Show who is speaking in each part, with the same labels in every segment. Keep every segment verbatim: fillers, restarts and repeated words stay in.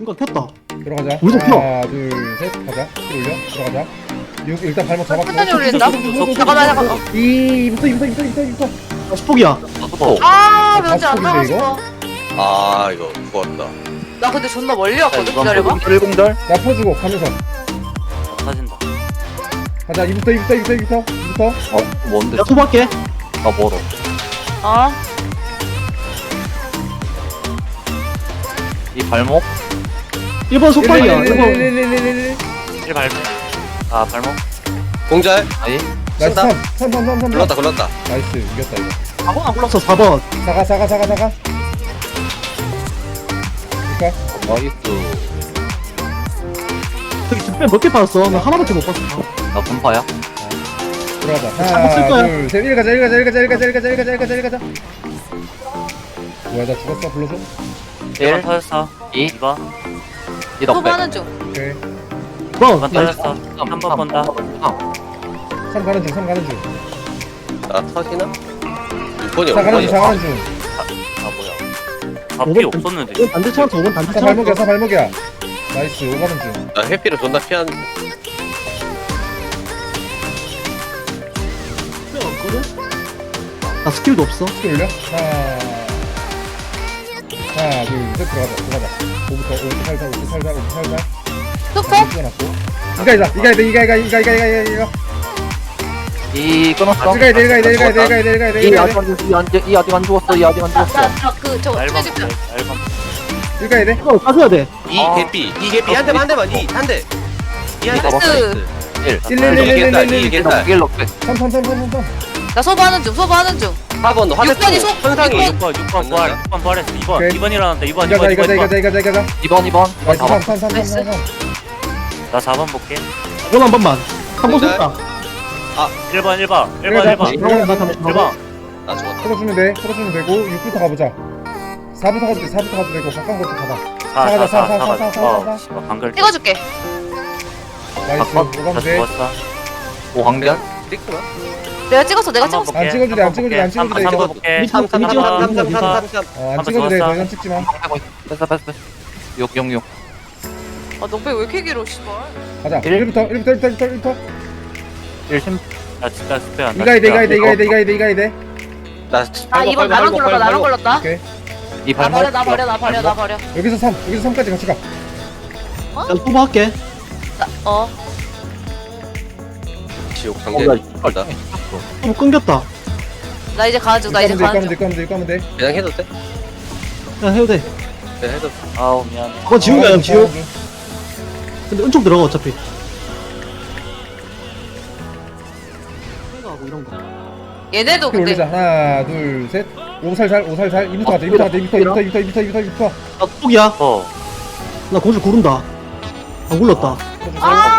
Speaker 1: 이거 폈다.
Speaker 2: 들어가자.
Speaker 1: 우리도 펴.
Speaker 2: 하나, 둘, 셋. 가자. 킬 올려. 들어가자. 육 일단 발목 잡았고.
Speaker 3: 천천히 올린다. 잠깐만 잠깐만.
Speaker 2: 이부터 이부터 이부터 이부터 이부터.
Speaker 1: 아, 수폭이야.
Speaker 4: 어.
Speaker 3: 아
Speaker 2: 어,
Speaker 3: 면제 안
Speaker 2: 다시
Speaker 3: 나가서.
Speaker 4: 아 이거 죽었다.
Speaker 3: 나 근데 존나 멀리 왔거든. 기다려봐.
Speaker 4: 일공절
Speaker 2: 나 퍼주고 가면서.
Speaker 4: 터진다.
Speaker 2: 가자. 이부터 이부터 이부터 이부터 이부터.
Speaker 4: 어 뭔데?
Speaker 1: 야, 소박게.
Speaker 4: 나 멀어.
Speaker 3: 어.
Speaker 4: 이 발목?
Speaker 1: 일 번 소박이야. 일 번.
Speaker 2: 일일일일일일일.
Speaker 4: 일 발목. 아 발목. 공절. 아니.
Speaker 2: 나이스. 삼, 삼, 삼, 삼, 삼.
Speaker 4: 굴렀다 굴렀다.
Speaker 2: 나이스. 이겼다 이거.
Speaker 1: 사번 안 불렀어. 사 번.
Speaker 2: 사가 사가 사가 사가. 그니까.
Speaker 4: 나이스.
Speaker 1: 저기 뒷배 몇 개 받았어? 나 하나밖에 못 봤어.
Speaker 4: 나 분파야?
Speaker 2: 들어가자.
Speaker 1: 한번 쓸
Speaker 2: 하나,
Speaker 1: 거야.
Speaker 2: 둘, 셋. 일 가자. 일 가자. 일 가자. 일 가자. 일 가자. 일 가자. 일 가자. 일 가자. 뭐야 나 죽었어. 불러줘.
Speaker 4: 일 터졌어. 이. 이번. 이 덕배.
Speaker 3: 소부하는 중.
Speaker 2: 오케이.
Speaker 1: 번.
Speaker 4: 이번 터졌어. 한 번 본다.
Speaker 2: 삼 가는 중. 삼 가는 중.
Speaker 4: 나 터지나? 육 번이
Speaker 2: 사 가는 중. 사 가는 중.
Speaker 4: 아 뭐야?
Speaker 1: 오
Speaker 4: 앞이
Speaker 1: 번
Speaker 4: 없었는데.
Speaker 1: 오 번 반대 차왔어. 오 번 반대
Speaker 2: 사
Speaker 1: 차왔어.
Speaker 2: 발목이야. 사 발목이야. 나이스. 오 가는 중.
Speaker 4: 나 회피를 존나 피한.
Speaker 1: 나 스킬도 없어.
Speaker 2: 스킬 올려. 하나. 하나, 둘, 셋. 들어가자. 들어가자. 오부터 오부터 살살. 오부터 살살. 오부터 살살.
Speaker 3: 소폭.
Speaker 2: 찍어놨고. 이가 이다. 이가 이다. 이가 이가 이가 이가 이가 이가 이가.
Speaker 4: 이 끊었어.
Speaker 2: 이가 이다. 이가 이다. 이가 이다. 이가 이다. 이가 이다.
Speaker 4: 이
Speaker 2: 이가
Speaker 4: 아직
Speaker 2: 이다.
Speaker 4: 안 죽었어. 이 아직 이 아직 안 죽었어. 이 아직 안 죽었어.
Speaker 3: 나나그 저거 트레지표.
Speaker 2: 이가 이다.
Speaker 1: 이거 빠져야 돼.
Speaker 5: 이 개피 이 개피 한 대만 한 대만 이한대 이한대
Speaker 3: 나이스.
Speaker 4: 일.
Speaker 2: 일, 일, 일, 일, 일, 일, 일.
Speaker 4: 이겠다. 일 넉백.
Speaker 2: 삼, 삼, 삼, 삼, 삼, 삼.
Speaker 3: 나 소부하는 중. 소부하는 중.
Speaker 5: 사 번 화면
Speaker 3: 육 번이 소-
Speaker 5: 현상이
Speaker 3: 육 번.
Speaker 6: 육 번 부활, 육 번 부활했어. 이 번,
Speaker 2: 오케이.
Speaker 6: 이 번 일어났다. 이 번, 이
Speaker 2: 이가자.
Speaker 6: 번, 이 번,
Speaker 2: 이가자.
Speaker 6: 이 번.
Speaker 2: 이가자. 이가자. 이가자.
Speaker 4: 이 번 이 번.
Speaker 2: 나이스.
Speaker 4: 사
Speaker 2: 삼,
Speaker 4: 번.
Speaker 2: 삼, 삼, 삼, 삼, 삼.
Speaker 6: 나 사 번 볼게.
Speaker 1: 이번 한 번만. 한 번
Speaker 5: 공절.
Speaker 1: 줬다.
Speaker 6: 일 번, 일 번, 일 번,
Speaker 2: 이가자.
Speaker 6: 일 번.
Speaker 2: 이가자.
Speaker 1: 나 잠깐
Speaker 6: 일 번.
Speaker 5: 나 죽었다.
Speaker 2: 풀어주면 돼. 풀어주면 되고 육부터 가보자. 사부터 가도 돼. 사부터 가도 되고 가까운 것도 가봐.
Speaker 6: 사,
Speaker 2: 사가자,
Speaker 6: 사,
Speaker 2: 사,
Speaker 6: 사,
Speaker 2: 사,
Speaker 6: 사,
Speaker 2: 사,
Speaker 6: 사.
Speaker 2: 사,
Speaker 6: 어,
Speaker 2: 사.
Speaker 6: 씨발, 방글.
Speaker 3: 찍어줄게.
Speaker 2: 나이스.
Speaker 4: 아,
Speaker 2: 오가면
Speaker 6: 나
Speaker 2: 돼.
Speaker 6: 죽었어.
Speaker 4: 오 한결.
Speaker 5: 찍구나.
Speaker 3: 내가 찍었어. 내가
Speaker 6: 한 번
Speaker 3: 찍었어.
Speaker 6: 볼게.
Speaker 2: 안 찍어도 돼, 안 찍어도 돼, 안 찍어도 돼,
Speaker 6: 삼
Speaker 2: 이거.
Speaker 6: 번 볼게.
Speaker 5: 삼, 삼, 삼, 삼, 삼, 삼, 삼, 삼.
Speaker 2: 어, 안
Speaker 6: 한번
Speaker 2: 찍어도 돼.
Speaker 6: 좋았어.
Speaker 2: 더 이상 찍지 마.
Speaker 4: 뺐어 뺐어 뺐어. 육 영 육.
Speaker 3: 아 넉배 왜 이렇게 길어 씨발.
Speaker 2: 가자.
Speaker 4: 일.
Speaker 2: 일부터 일부터 일부터 일부터 일부터.
Speaker 4: 일 심.
Speaker 6: 나 진짜 스페 안
Speaker 2: 이가 이대 이가 이대 이가 이대 이가 이대 이가 이대.
Speaker 5: 나
Speaker 3: 아 이번 나만 걸렸다. 나만 걸렸다.
Speaker 2: 오케이.
Speaker 4: 이
Speaker 3: 나
Speaker 4: 발목.
Speaker 3: 버려 나 버려 나 버려 나 버려.
Speaker 2: 여기서 삼. 여기서 삼까지 같이 가.
Speaker 1: 나 소박할게.
Speaker 3: 나, 어.
Speaker 5: 지옥
Speaker 4: 어,
Speaker 5: 단계.
Speaker 4: 나
Speaker 5: 걸다.
Speaker 1: 소박 끊겼다.
Speaker 3: 나 이제 가는 중. 나 이제
Speaker 2: 이까면
Speaker 3: 가는
Speaker 2: 돼.
Speaker 3: 중.
Speaker 2: 이까면 돼. 이까면 돼.
Speaker 5: 그냥 해도 돼?
Speaker 1: 그냥 해도 돼.
Speaker 5: 그냥 해도 돼.
Speaker 6: 아우, 미안해.
Speaker 1: 그건 지우야, 형, 지우. 근데 은총 들어가, 어차피. 생각하고 이런 거.
Speaker 3: 얘네도
Speaker 2: 스킬 올리자.
Speaker 3: 근데
Speaker 2: 하나, 둘, 셋. 오살살, 오살살. 이부터 가자. 이부터 가자. 이부터 이부터 이부터 이부터 이부터 이부터.
Speaker 1: 나 소박이야.
Speaker 6: 어,
Speaker 1: 나 고줄 구른다. 안 굴렀다.
Speaker 3: 아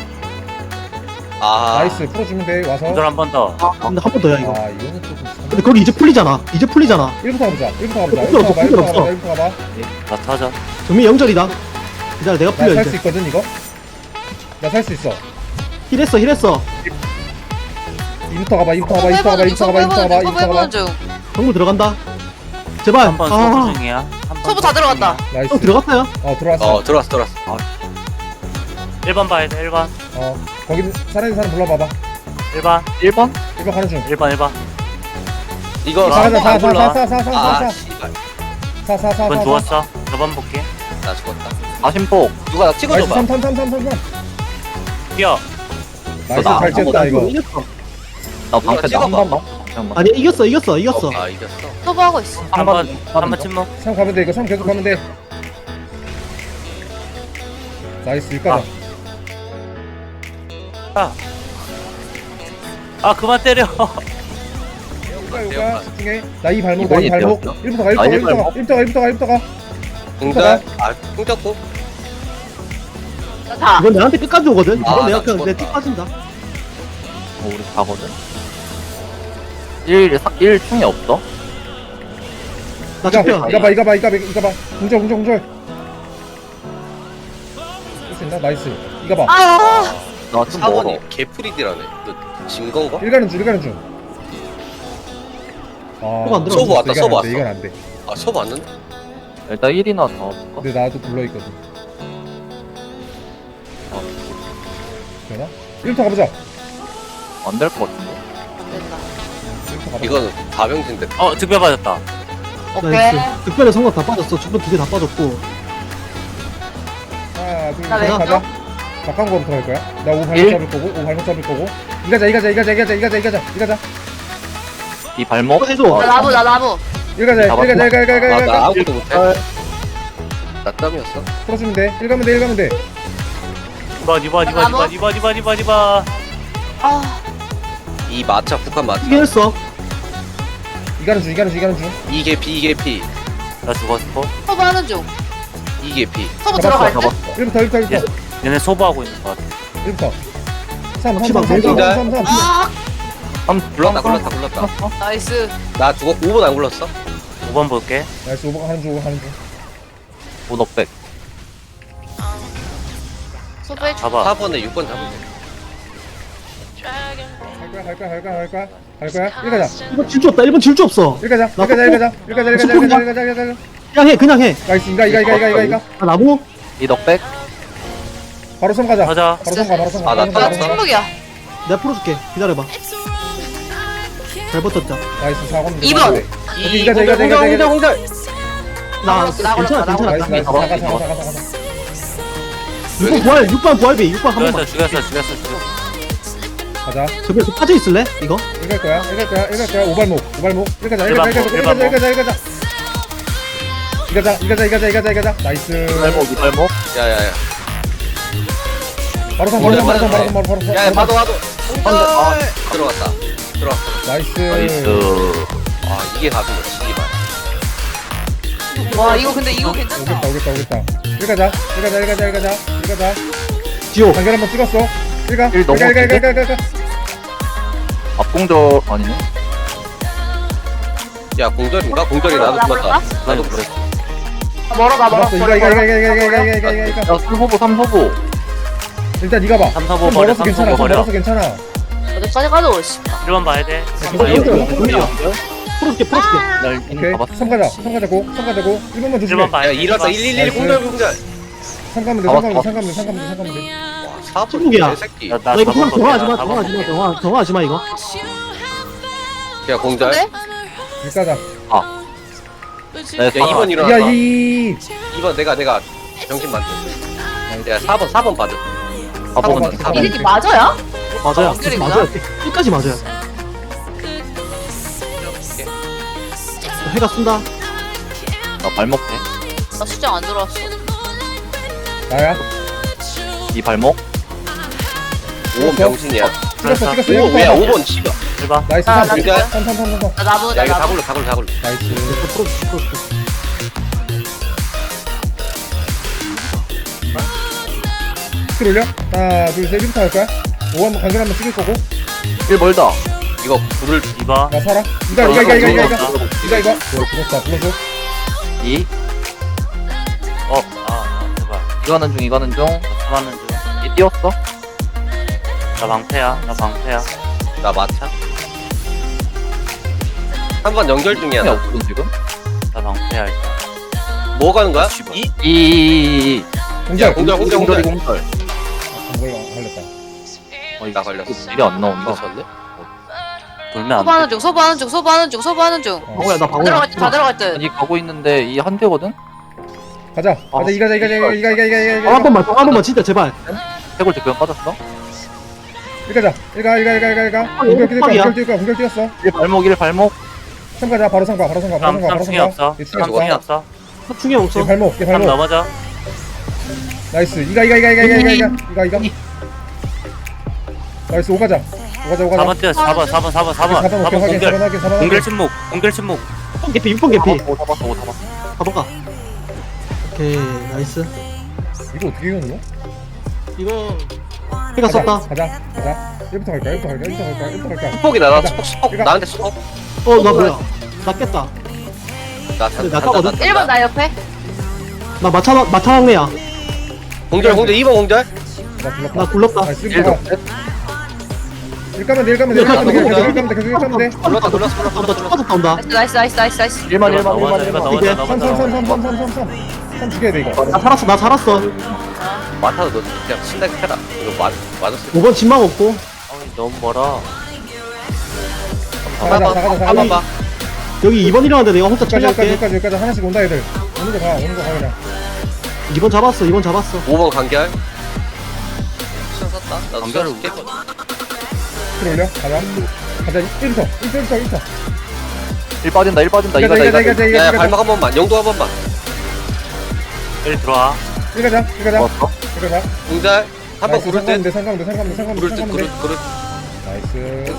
Speaker 5: 아
Speaker 2: 나이스. 풀어주면 돼. 와서.
Speaker 6: 공절 한 번 더.
Speaker 1: 근데 한 번 더야, 이거.
Speaker 2: 아 이거는 조금.
Speaker 1: 근데 거기 이제 풀리잖아. 이제 풀리잖아.
Speaker 2: 일부터 가보자. 일부터 가보자.
Speaker 1: 없어,
Speaker 2: 일부터 가봐.
Speaker 1: 없어,
Speaker 2: 일부터
Speaker 1: 없어.
Speaker 2: 가봐. 일부터 가봐.
Speaker 6: 나 터져.
Speaker 1: 정민 영절이다. 기다려, 내가 풀려,
Speaker 2: 나 살 수
Speaker 1: 이제.
Speaker 2: 있거든 이거. 나 살 수 있어.
Speaker 1: 힐했어, 힐했어.
Speaker 2: 이부터 가봐. 이부터 가봐.
Speaker 3: 소부
Speaker 2: 이부터 가봐.
Speaker 3: 해보는 중.
Speaker 2: 이부터 가봐.
Speaker 3: 소부
Speaker 2: 이부터 가봐.
Speaker 3: 해보는 중. 소부
Speaker 2: 이부터 가봐.
Speaker 3: 해보는 중.
Speaker 1: 정물 들어간다. 제발.
Speaker 6: 한 번
Speaker 1: 아,
Speaker 6: 소부 중이야. 한 번
Speaker 3: 소부 다 들어갔다.
Speaker 2: 나이스.
Speaker 1: 형 들어갔어요?
Speaker 2: 어 들어왔어.
Speaker 5: 어 들어왔어 들어왔어.
Speaker 6: 일 번 봐야 돼, 일 번.
Speaker 2: 어 거기 살아있는 사람 불러봐봐.
Speaker 6: 일 번,
Speaker 4: 일 번.
Speaker 2: 일번 가는 중.
Speaker 6: 일 번, 일 번.
Speaker 5: 이거
Speaker 2: 사가자.
Speaker 5: 안 불러.
Speaker 2: 사사사사사사사.
Speaker 5: 아 씨발.
Speaker 2: 사사사사.
Speaker 6: 이 번 죽었어. 저 번 볼게.
Speaker 5: 나 죽었다.
Speaker 4: 아심폭.
Speaker 5: 누가 나
Speaker 2: 나이스.
Speaker 5: 찍어줘봐.
Speaker 2: 삼 삼 삼 삼 삼 삼.
Speaker 6: 뛰어.
Speaker 2: 나이스.
Speaker 4: 나-
Speaker 2: 잘 쳤다 이거.
Speaker 1: 이겼어.
Speaker 4: 나 방패
Speaker 5: 찍어봐.
Speaker 4: 나한 번만. 잠깐만.
Speaker 1: 아니, 이겼어, 이겼어, 이겼어.
Speaker 5: 아 이겼어.
Speaker 3: 소부하고 있어.
Speaker 6: 한 번, 한 번 침묵.
Speaker 2: 삼 가면 돼. 이거 삼 계속 가면 돼. 나이스. 일까봐.
Speaker 6: 아, 그만 때려.
Speaker 2: 요가 요가 집중해. 나 이 발목. 나 이
Speaker 4: 이번이
Speaker 2: 발목.
Speaker 4: 되었어?
Speaker 2: 일부터 가.
Speaker 4: 아,
Speaker 2: 일부터 가.
Speaker 4: 일
Speaker 2: 일부터 가. 일부터 가. 일부터 가.
Speaker 5: 공절. 아 공졌고.
Speaker 3: 나 다.
Speaker 1: 이건 내한테 끝까지 오거든. 이건
Speaker 5: 아,
Speaker 1: 내가
Speaker 5: 나
Speaker 1: 그냥 내
Speaker 5: 죽었다.
Speaker 1: 틱 빠진다.
Speaker 4: 어, 우리 가거든. 일, 일 충이 없어?
Speaker 1: 나
Speaker 2: 이거
Speaker 1: 잡혀.
Speaker 2: 이거 봐. 이거 봐. 이거 봐. 이거 봐. 공절 공절 공절. 할수 있나? 나이스. 이거 봐.
Speaker 3: 아
Speaker 4: 나 좀 멀어.
Speaker 5: 사 번이 개프리디라네. 너진 건가?
Speaker 2: 일 가는 중. 일 가는 중. 아,
Speaker 1: 소부 안
Speaker 5: 소부
Speaker 1: 들어갔어.
Speaker 5: 왔다,
Speaker 2: 이건 안
Speaker 5: 소부
Speaker 2: 돼,
Speaker 5: 왔어.
Speaker 2: 이건 안 돼.
Speaker 5: 아 소부 왔는데?
Speaker 4: 일단 일이나 더 볼까?
Speaker 2: 근데 나도 불러 있거든. 되나? 일부터 가보자.
Speaker 7: 안 될 것 같은데?
Speaker 3: 됐다.
Speaker 2: 일부터 가보자.
Speaker 5: 이거는 다병진데.
Speaker 6: 어 득별 받았다.
Speaker 3: 오케이.
Speaker 1: 나이스. 특별히 성공 다 빠졌어. 주변 두 개 다 빠졌고.
Speaker 2: 하나, 둘,
Speaker 3: 나
Speaker 2: 셋,
Speaker 3: 왼쪽?
Speaker 2: 가자. 가까운 거부터 갈 거야. 나 오 발목
Speaker 7: 일.
Speaker 2: 잡을 거고, 오 발목 잡을 거고. 이가자, 이가자, 이가자, 이가자, 이가자, 이가자, 이가자.
Speaker 7: 이 발목?
Speaker 1: 어, 해줘.
Speaker 3: 나 나무 나 나무.
Speaker 2: 이가자,
Speaker 7: 잡았어.
Speaker 2: 이가자, 이가자, 이가자,
Speaker 5: 아, 나
Speaker 2: 이가자.
Speaker 5: 아무것도 못해. 나 땀이었어.
Speaker 2: 풀어주면 돼. 일 가면 돼, 일 가면 돼.
Speaker 6: 이번 이번 이번 이번 이번 이번 이번 이번.
Speaker 3: 아
Speaker 5: 이 마차 북한 마차.
Speaker 1: 이게 했어.
Speaker 2: 이가는 중, 이가는 중, 이가는 중.
Speaker 5: 이게 피 이게 피
Speaker 6: 나 죽었어.
Speaker 3: 소부하는 중.
Speaker 5: 이게 피.
Speaker 3: 소부
Speaker 2: 잡았어,
Speaker 3: 들어갈 때.
Speaker 2: 일부터, 일부터, 일부터.
Speaker 6: 얘네 소부하고 있는 것 같아.
Speaker 2: 일부터. 삼, 삼,
Speaker 1: 시방
Speaker 2: 삼, 삼, 삼,
Speaker 5: 공작.
Speaker 2: 삼, 삼, 삼.
Speaker 3: 아
Speaker 7: 삼
Speaker 5: 굴렀다 굴렀다 굴렀다.
Speaker 3: 나이스.
Speaker 5: 나 죽었고 오 번 안 굴렀어.
Speaker 6: 오 번 볼게.
Speaker 2: 나이스, 오버가 하는 중, 오버 하는 중.
Speaker 7: 오너백.
Speaker 3: 소부해 줘.
Speaker 6: 잡아.
Speaker 5: 사 번에 육 번 잡으면 돼.
Speaker 2: 갈 거야, 갈 거야, 갈 거야, 갈 거야. 갈 거야. 일 가자.
Speaker 1: 이번 질주 없다. 일본 질주 없어.
Speaker 2: 일 가자, 일 가자, 일 가자. 일 가자, 일 가자, 일 가자, 일 가자, 일 가자.
Speaker 1: 그냥 해. 그냥 해.
Speaker 2: 나이스, 이가, 이가, 이가, 이가, 이가, 이가.
Speaker 1: 나 나무.
Speaker 7: 이 넉백.
Speaker 2: 바로 손 가자.
Speaker 6: 가자.
Speaker 2: 바로 손 가, 바로 손 가.
Speaker 5: 아, 나
Speaker 2: 바로 손 가,
Speaker 3: 나
Speaker 2: 바로 손 가.
Speaker 3: 침묵이야.
Speaker 1: 내가 풀어줄게. 기다려봐. 잘 버텼자.
Speaker 2: 나이스, 사 번.
Speaker 3: 이 번.
Speaker 2: 오케이, 이가자, 이가자, 이가자, 이가자.
Speaker 5: 공절.
Speaker 1: 나
Speaker 3: 나
Speaker 1: 괜찮아.
Speaker 3: 걸렸다, 나
Speaker 1: 괜찮아.
Speaker 2: 나이스, 나이스.
Speaker 7: 잡아,
Speaker 2: 가자,
Speaker 7: 잡아.
Speaker 2: 가자, 가자, 가자.
Speaker 1: 육 번 부활. 육 번 부활비. 육 번 한 번만.
Speaker 6: 죽였어 죽였어 죽였어 죽였어.
Speaker 2: 가자.
Speaker 1: 저기 빠져 있을래? 이거?
Speaker 2: 일갈 거야, 일갈 거야, 일갈 거야. 오발목, 오발목. 일가자,
Speaker 6: 일반
Speaker 2: 일가자,
Speaker 6: 목,
Speaker 2: 일가자,
Speaker 6: 일반
Speaker 2: 일가자, 일가자, 일가자. 이가자, 이가자, 이가자, 이가자, 이가자. 나이스.
Speaker 7: 이 발목, 이 발목.
Speaker 5: 야야야.
Speaker 2: 바로 선, 바로 선, 바로 선, 바로 선, 바로 선, 바로 선.
Speaker 5: 야 봐도 봐도. 아 들어갔다. 들어갔어.
Speaker 2: 나이스.
Speaker 7: 나이스.
Speaker 5: 아 이게 답이네. 이게 봐.
Speaker 3: 와 이거 근데 이거 괜찮다.
Speaker 2: 오겠다, 오겠다, 오겠다. 일가자, 일가자, 일가자, 일가자, 일가자.
Speaker 1: 지호.
Speaker 2: 단결 한번 찍었어. 일가,
Speaker 7: 일
Speaker 2: 일가, 일가, 일가,
Speaker 7: 넘어갔는데?
Speaker 2: 일가, 일가.
Speaker 7: 앞공절 아니네?
Speaker 5: 야 공절인가? 공절이 나도 죽었다. 나도 그래.
Speaker 3: 멀어 가 멀어.
Speaker 2: 잡았어. 이가, 이가, 이가, 이가, 이가, 이가, 이가, 이가, 이가.
Speaker 7: 야, 삼 호보, 삼 호보.
Speaker 2: 일단 네가 봐.
Speaker 6: 삼, 사, 오
Speaker 2: 손
Speaker 6: 버려,
Speaker 2: 멀어서
Speaker 6: 삼,
Speaker 2: 괜찮아.
Speaker 6: 사, 오
Speaker 2: 손
Speaker 6: 버려.
Speaker 2: 멀어서 괜찮아.
Speaker 3: 어디까지 가도 씨.
Speaker 6: 일 번 봐야 돼.
Speaker 2: 이거
Speaker 1: 이거
Speaker 2: 이거
Speaker 1: 이거
Speaker 2: 이거.
Speaker 1: 풀어줄게. 풀어줄게.
Speaker 7: 날
Speaker 2: 오케이.
Speaker 7: 이미 잡았어.
Speaker 2: 삼 가자. 삼 가자고. 삼 가자고. 일 번만
Speaker 6: 일
Speaker 2: 조심해.
Speaker 6: 번 봐야
Speaker 5: 야
Speaker 6: 돼.
Speaker 5: 일어났다. 일일일 공절 공절.
Speaker 2: 삼 가면 돼. 삼 가면 돼. 삼 가면 돼. 삼 가면 돼. 삼 가면 돼.
Speaker 5: 사 번.
Speaker 1: 침묵이야.
Speaker 5: 개새끼.
Speaker 6: 나
Speaker 1: 나 이거
Speaker 6: 사 번
Speaker 1: 정 정하지 마.
Speaker 6: 볼게, 나
Speaker 1: 정하지 마.
Speaker 6: 사 번
Speaker 1: 정하 정하지 마 이거.
Speaker 5: 야 공절.
Speaker 3: 근데?
Speaker 2: 일 가자.
Speaker 7: 네,
Speaker 5: 야 이 번
Speaker 2: 야,
Speaker 5: 일어났다.
Speaker 2: 이.
Speaker 5: 이 번 내가 내가 정신 만들. 야 사 번 사 번 받을.
Speaker 7: 아,
Speaker 2: 번,
Speaker 7: 먹었네.
Speaker 2: 사 번.
Speaker 3: 이름이 맞아야?
Speaker 1: 맞아요.
Speaker 3: 연결이구나.
Speaker 1: 맞아요. 끝까지 맞아요. 해가 쏜다.
Speaker 7: 나 발목 돼.
Speaker 3: 나 수정 안 들어왔어.
Speaker 2: 나야.
Speaker 7: 이 발목.
Speaker 5: 오 번 병신이야.
Speaker 2: 찍었어, 찍었어.
Speaker 5: 오
Speaker 2: 일 번
Speaker 5: 왜야
Speaker 2: 봐.
Speaker 5: 오 번 씨발.
Speaker 6: 일 번.
Speaker 2: 나이스.
Speaker 3: 아,
Speaker 2: 삼,
Speaker 3: 나
Speaker 2: 삼,
Speaker 5: 진짜?
Speaker 2: 삼, 삼, 삼, 삼, 삼.
Speaker 3: 나 나무
Speaker 5: 야
Speaker 3: 나
Speaker 5: 이거 다
Speaker 3: 나무.
Speaker 5: 굴러 다 굴러 다 굴러.
Speaker 2: 나이스.
Speaker 1: 풀어줄게. 풀어줄게.
Speaker 2: 스킬 올려. 하나, 둘, 셋. 일부터 할 거야. 오 한번 간결 한번 찍을 거고.
Speaker 7: 일 멀다.
Speaker 5: 이거 불을
Speaker 6: 이 번.
Speaker 2: 나 살아. 이가, 이가, 이가, 이가, 이가, 이가.
Speaker 6: 어,
Speaker 2: 이가, 이거. 어, 죽었다. 불러줘.
Speaker 7: 이.
Speaker 6: 어. 아, 아 제발.
Speaker 7: 이거는 중, 이거는 중.
Speaker 6: 잡았는 중.
Speaker 7: 이 띄웠어.
Speaker 6: 나 방패야. 나 방패야.
Speaker 5: 나 마차. 한 번 연결 중이야.
Speaker 7: 힘이
Speaker 5: 나.
Speaker 7: 없거든, 지금.
Speaker 6: 나 방패야 일단.
Speaker 5: 뭐 가는 거야?
Speaker 6: 씨발.
Speaker 5: 이?
Speaker 7: 이, 이, 이, 이.
Speaker 2: 공작.
Speaker 5: 공절 공절 공절.
Speaker 7: 공절이 공절.
Speaker 2: 아, 걸려. 걸렸다.
Speaker 7: 어,
Speaker 5: 나 걸렸어.
Speaker 7: 일이 안 나온다.
Speaker 5: 이거 졌네?
Speaker 6: 돌면 안
Speaker 3: 소부하는
Speaker 6: 돼.
Speaker 3: 중 소부하는 중 소부하는 중 소부하는 중.
Speaker 2: 어.
Speaker 1: 방어야 나
Speaker 3: 다
Speaker 1: 방어야.
Speaker 3: 들어갈 듯다 들어갈 듯.
Speaker 7: 아니, 가고 있는데 이 한 대거든?
Speaker 2: 가자. 가자. 이가, 이가, 이가, 이가, 이가, 이가, 이가, 이가.
Speaker 1: 어, 한 번만. 한 번만 진짜 제발.
Speaker 7: 해골 대표형 빠졌어?
Speaker 2: 일가자. 일가, 일가, 일가, 일가, 일가. 공격 뛰었다.
Speaker 1: 빡이야.
Speaker 2: 공격 뛰었다. 공격 뛰었어.
Speaker 7: 일 발목, 일 발목.
Speaker 2: 삼 가자. 바로 삼 가. 바로 삼 가. 바로 삼 가. 바로
Speaker 6: 삼
Speaker 2: 삼
Speaker 6: 충이
Speaker 2: 가.
Speaker 6: 없어.
Speaker 2: 얘 충이
Speaker 6: 삼 충이
Speaker 2: 없어.
Speaker 6: 없어.
Speaker 1: 사충이 없어.
Speaker 2: 얘 발목. 얘
Speaker 6: 삼
Speaker 2: 발목.
Speaker 6: 넘어져.
Speaker 2: 나이스. 이가, 이가, 이가, 이가, 이가, 이가, 이가, 이가. 나이스. 오 가자. 오 가자. 오
Speaker 6: 사
Speaker 2: 가자.
Speaker 6: 번 뛰어. 사 번, 사 번, 사 번, 사 번.
Speaker 2: 사 번
Speaker 6: 사
Speaker 2: 오케이.
Speaker 6: 번
Speaker 2: 확인. 사 번
Speaker 6: 공결.
Speaker 2: 확인. 사 번
Speaker 6: 공결
Speaker 2: 확인.
Speaker 6: 침묵. 공결 침묵.
Speaker 1: 육 번 개피. 육 번 개피.
Speaker 7: 오 잡았어, 오 잡았어.
Speaker 1: 가볼까? 오케이. 나이스.
Speaker 2: 이거 어떻게 이겼노?
Speaker 1: 이거 해가 썼다.
Speaker 2: 가자. 가자. 일부터 갈까? 일부터 갈까? 일부터 갈까? 일부터 갈까?
Speaker 5: 수폭이 나나 수폭 수폭
Speaker 2: 이거-
Speaker 5: 나한테 수폭.
Speaker 1: 어, 나 뭐야? 나 깼다.
Speaker 5: 나
Speaker 1: 근데 나 까거든?
Speaker 3: 일 번 나 옆에.
Speaker 1: 나 마차 마차 막내야.
Speaker 5: 공절 공절 이 번 공절.
Speaker 2: 나 불렀다.
Speaker 1: 나 굴렀다.
Speaker 2: 나이스.
Speaker 7: 일
Speaker 2: 일부터 가.
Speaker 7: 넉백.
Speaker 2: 일 가면 돼. 일 가면 돼. 일 가면 돼. 계속 일 가면 돼. 계속 일 가면 돼.
Speaker 5: 불렀다 불렀어 불렀어
Speaker 1: 나
Speaker 5: 불렀어.
Speaker 1: 축하도 나온다.
Speaker 3: 나이스 나이스 나이스 나이스 나이스.
Speaker 7: 일만, 일만,
Speaker 6: 넘어져,
Speaker 7: 일만,
Speaker 6: 일번
Speaker 7: 일만.
Speaker 6: 넘어져,
Speaker 2: 삼, 삼,
Speaker 6: 넘어져.
Speaker 2: 삼, 삼, 삼, 삼, 삼, 삼. 삼 죽여야 돼 이거.
Speaker 1: 나 살았어 나 살았어.
Speaker 5: 마타도 너 그냥 신나게 패라. 이거 맞 맞았을 때.
Speaker 1: 오 번 진망 없고.
Speaker 6: 아, 너무 멀어.
Speaker 2: 사가자 사가자 사가자.
Speaker 5: 한번 봐.
Speaker 1: 여기 이 번 일어났는데 내가 혼자
Speaker 2: 여기까지 여기까지
Speaker 1: 처리할게.
Speaker 2: 여기까지 여기까지 하나씩 온다 애들. 오는 거 가, 오는 거 가 그냥.
Speaker 1: 이 번 잡았어 이 번 잡았어.
Speaker 5: 오 번 간결. 시간 썼다. 나도
Speaker 6: 간결을
Speaker 5: 시간 쓸게.
Speaker 2: 킬 올려. 가자. 가자. 일 초. 일 초 일 초 일 초.
Speaker 7: 일 빠진다 일 빠진다
Speaker 2: 이가자
Speaker 7: 이가자
Speaker 2: 이가자
Speaker 7: 이가자
Speaker 2: 이가자
Speaker 5: 야야
Speaker 2: 이가자.
Speaker 5: 발목 한 번만. 영도 한 번만.
Speaker 6: 일 들어와.
Speaker 2: 이가자 이가자
Speaker 7: 좋았어
Speaker 2: 이가자.
Speaker 5: 공잘. 한 번 구를 듯.
Speaker 2: 상관인데 상관인데 상관인데 상관인데
Speaker 5: 구를 듯.
Speaker 2: 상관인데.
Speaker 5: 구를 구를.
Speaker 2: 나이스.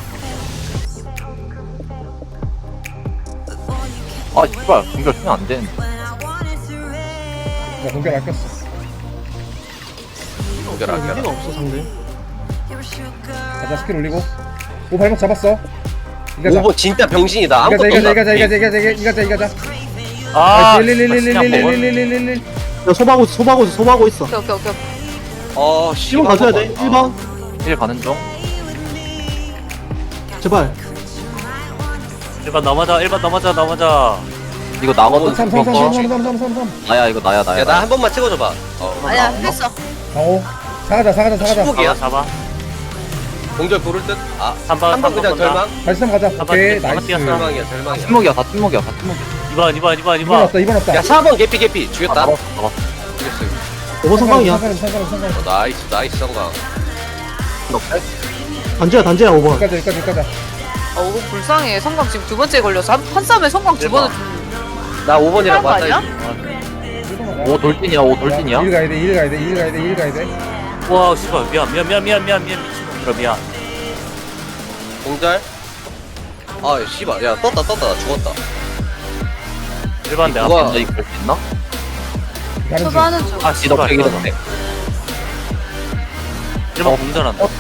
Speaker 7: 아 씨발 공격 쓰면 안 되는데
Speaker 2: 나 공격 아꼈어.
Speaker 5: 공결 안
Speaker 1: 의미가
Speaker 5: 결.
Speaker 1: 없어 상대.
Speaker 2: 가자 스킬 올리고. 오 발목 잡았어. 이가자.
Speaker 5: 오 번 진짜 병신이다.
Speaker 2: 이가자
Speaker 5: 아무것도
Speaker 2: 이가자
Speaker 5: 없다.
Speaker 2: 이가자 이가자 이가자 이가자 이가자.
Speaker 6: 아,
Speaker 2: 릴릴릴릴릴릴릴릴릴릴릴.
Speaker 1: 야 소바하고 있어 소바하고 있어 소바하고 있어.
Speaker 3: 오케이 오케이 오케이.
Speaker 5: 어,
Speaker 1: 일 번 가져야 돼. 일 번.
Speaker 7: 일 가는 중
Speaker 1: 제발.
Speaker 6: 일 번 넘어져, 일 번 넘어져, 넘어져.
Speaker 7: 이거 나거든
Speaker 2: 삼 삼 삼 삼 삼 삼 삼 삼.
Speaker 7: 나야 이거 나야 나야
Speaker 5: 야, 나 한 번만 찍어줘봐. 어.
Speaker 3: 아니야 했어.
Speaker 2: 강호. 사가자 사가자 사가자.
Speaker 5: 십육이야.
Speaker 6: 잡아, 잡아.
Speaker 5: 공절 고를 듯. 아,
Speaker 6: 삼 번,
Speaker 5: 한 번
Speaker 6: 삼 번
Speaker 5: 그냥
Speaker 6: 본다.
Speaker 5: 절망.
Speaker 2: 다시 삼 가자.
Speaker 6: 한번
Speaker 2: 오케이
Speaker 6: 뛰었어, 한번
Speaker 2: 나이스.
Speaker 6: 뛰었어.
Speaker 5: 절망이야, 절망이야.
Speaker 7: 침묵이야 다 침묵이야 다 침묵이야
Speaker 6: 이 번, 이 번, 이 번, 이
Speaker 2: 이번
Speaker 6: 번.
Speaker 2: 없다 이번 없다.
Speaker 5: 야, 사 번 개피 개피.
Speaker 7: 아,
Speaker 5: 죽였다.
Speaker 7: 잡았어 잡았어
Speaker 5: 죽였어.
Speaker 1: 오 번 성광이야.
Speaker 2: 상관 상관 상관.
Speaker 5: 어, 나이스, 나이스 성광.
Speaker 1: 단지야 단지야 오 번.
Speaker 2: 여기까지 여기까지 여기까지.
Speaker 3: 어 이거 불쌍해. 성광 지금 두 번째 걸려서 한, 한 싸움에 성광 두 번은
Speaker 5: 나 오 번이랑
Speaker 3: 하는 거
Speaker 5: 맞다.
Speaker 3: 아니야?
Speaker 7: 오 돌진이야 오 돌진이야
Speaker 2: 일 가야 돼, 일 가야 돼, 일 가야 돼, 일 가야 돼.
Speaker 6: 와, 씨발, 미안, 미안, 미안, 미안, 미안, 미안, 미친. 그럼 미안.
Speaker 5: 공절. 아, 씨발. 야, 떴다, 떴다. 나 죽었다.
Speaker 6: 일 번 내가.
Speaker 5: 누가-
Speaker 7: 진짜 이거 할수 있나?
Speaker 2: 가는 중.
Speaker 3: 소바하는 중.
Speaker 6: 아,
Speaker 7: 이덕
Speaker 6: 씨발,
Speaker 7: 백이
Speaker 6: 이거.
Speaker 7: 덕
Speaker 6: 일 번 공전한다.
Speaker 7: 어?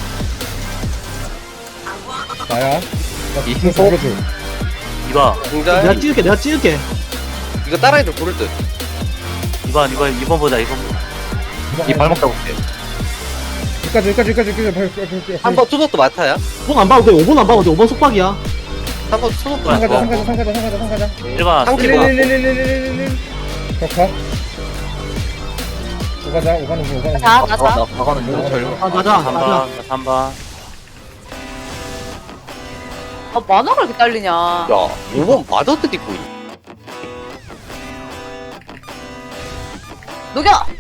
Speaker 2: 나야.
Speaker 7: 이
Speaker 2: 이
Speaker 7: 신속?
Speaker 2: 승소.
Speaker 6: 이 번,
Speaker 1: 내가
Speaker 5: 공절.
Speaker 1: 찍을게 내가 찍을게.
Speaker 5: 이거 따라해도 고를 듯.
Speaker 6: 이 번, 이 번, 이 번 보자, 이 번 보자.
Speaker 7: 이 발목 잡을게
Speaker 2: 여기까지 여기까지 여기까지 여기까지.
Speaker 5: 한 번 투석도 마타야.
Speaker 1: 오 번 안 봐도 돼. 오 번 안 봐도 돼. 오 번 속박이야.
Speaker 5: 한 번 투석도
Speaker 2: 상가자
Speaker 5: 마타.
Speaker 2: 상가자 상가자 상가자 상가자.
Speaker 6: 일 번,
Speaker 5: 한 킬.
Speaker 2: 릴릴릴릴릴릴릴릴. 격파. 오가자 오가는 중 오가는 중.
Speaker 3: 자
Speaker 7: 아,
Speaker 3: 나자.
Speaker 7: 나 나가는 중 절-
Speaker 1: 아 맞아
Speaker 6: 삼
Speaker 1: 맞아.
Speaker 6: 번, 삼 번.
Speaker 3: 아 만화가 이렇게 딸리냐.
Speaker 5: 야, 오 번 마더트 입고 있
Speaker 3: 녹여.